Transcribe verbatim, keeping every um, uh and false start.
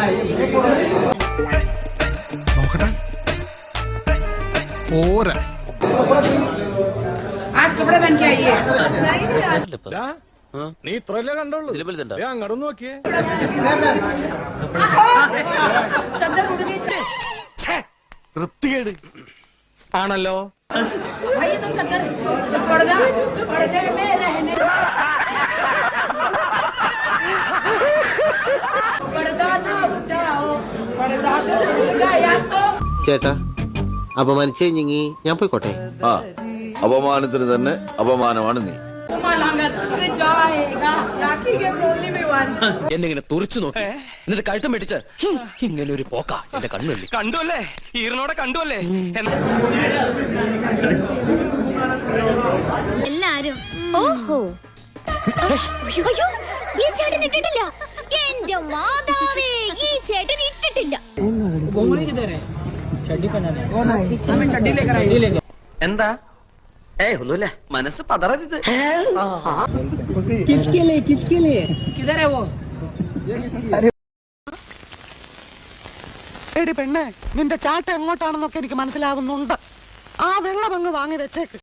പോരാ आज कपड़े पहन के आइए നീ ഇത്രല്ലേ കണ്ടുള്ളൂ അങ്ങോട്ട് നോക്കിയേ വൃത്തികേട് ആണല്ലോ भाई तुम चद्दर पर्दा पर्दे में रहने पर्दा ना उठाओ पर्दा जो छूट गया तो ചേട്ടാ അപമാനിച്ചേ ഞങ്ങി ഞാൻ പോയിക്കോട്ടെ. ആ അപമാനത്തിന് തന്നെ അപമാനമാണ് നീ. എന്നിങ്ങനെ തുറച്ചു നോക്കി എന്നിട്ട് കഴുത്തം പിടിച്ച് ഇങ്ങനെ ഒരു പോക്ക എന്റെ കണ്ണുള്ളി കണ്ടുവല്ലേ ഈറിനോടെ കണ്ടുവല്ലേ എല്ലാരും ഓഹോ അയ്യോ ഈ ചേട്ടൻ ഇട്ടിട്ടില്ല. എന്റെ മാതാവേ ഈ ചേട്ടൻ ഇട്ടിട്ടില്ല. എന്താ ഏയ് ഒന്നുമില്ല മനസ്സ് പതറരുത്. किधर है वो എടി പെണ്ണെ, നിന്റെ ചാട്ട എങ്ങോട്ടാണെന്നൊക്കെ എനിക്ക് മനസ്സിലാകുന്നുണ്ട്. ആ വെള്ളം അങ്ങ് വാങ്ങി വെച്ചേക്ക്.